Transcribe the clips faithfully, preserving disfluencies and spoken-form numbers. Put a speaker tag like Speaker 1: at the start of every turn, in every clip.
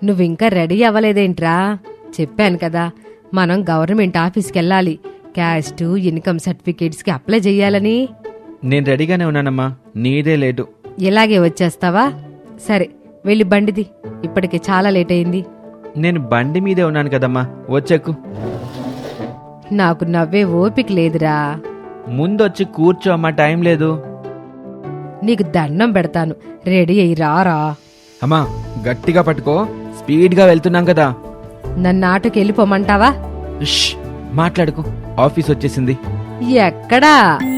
Speaker 1: నువ్వింకా రెడీ అవ్వలేదేంట్రా? చెప్పాను కదా, మనం గవర్నమెంట్ ఆఫీస్కి వెళ్ళాలి. క్యాస్ట్ ఇన్కమ్ సర్టిఫికేట్స్కి అప్లై చెయ్యాలని.
Speaker 2: నేను రెడీగానే ఉన్నానమ్మా, నీదే లేటు.
Speaker 1: ఇలాగే వచ్చేస్తావా? సరే వెళ్ళి బండిది, ఇప్పటికే చాలా లేట్ అయింది.
Speaker 2: నేను బండి మీదే ఉన్నాను కదమ్మా, వచ్చెక్కు.
Speaker 1: నాకు నవ్వే ఓపిక లేదురా.
Speaker 2: ముందొచ్చి కూర్చో అమ్మా, టైం లేదు.
Speaker 1: నీకు దండం పెడతాను, రెడీ అయ్యి రారా.
Speaker 2: అమ్మా గట్టిగా పట్టుకో, స్పీడ్గా వెళ్తున్నాం కదా.
Speaker 1: నన్ను ఆటోకి వెళ్ళిపోమంటావా?
Speaker 2: ష్, మాట్లాడుకో, ఆఫీస్ వచ్చేసింది.
Speaker 1: ఎక్కడా?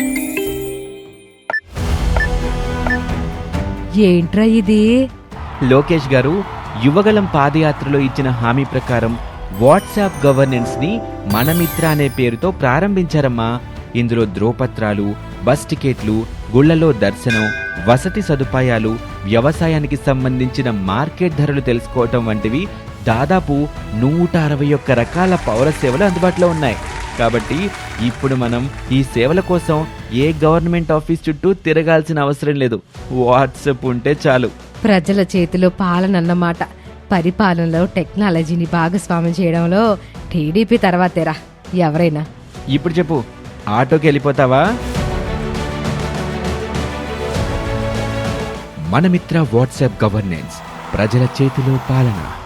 Speaker 1: ఏంట్రా ఇది?
Speaker 2: లోకేష్ గారు యువగలం పాదయాత్రలో ఇచ్చిన హామీ ప్రకారం వాట్సాప్ గవర్నెన్స్ ని మనమిత్ర అనే పేరుతో ప్రారంభించారమ్మా. ఇందులో ధ్రువపత్రాలు, బస్ టికెట్లు, గుళ్లలో దర్శనం, వసతి సదుపాయాలు, వ్యవసాయానికి సంబంధించిన మార్కెట్ ధరలు తెలుసుకోవటం వంటివి దాదాపు నూట అరవై ఒక్క రకాల పౌర సేవలు అందుబాటులో ఉన్నాయి. కాబట్టి ఇప్పుడు మనం ఈ సేవల కోసం ఏ గవర్నమెంట్ ఆఫీస్ చుట్టూ తిరగాల్సిన అవసరం లేదు. వాట్సాప్ ఉంటే చాలు.
Speaker 1: ప్రజల చేతిలో పాలనన్నమాట. పరిపాలనలో టెక్నాలజీని భాగస్వామ్యం చేయడంలో టీడీపీ తర్వాతేరా ఎవరైనా.
Speaker 2: ఇప్పుడు చెప్పు, ఆటోకి వెళ్ళిపోతావా? మనమిత్ర వాట్సాప్ గవర్నెన్స్, ప్రజల చేతిలో పాలన.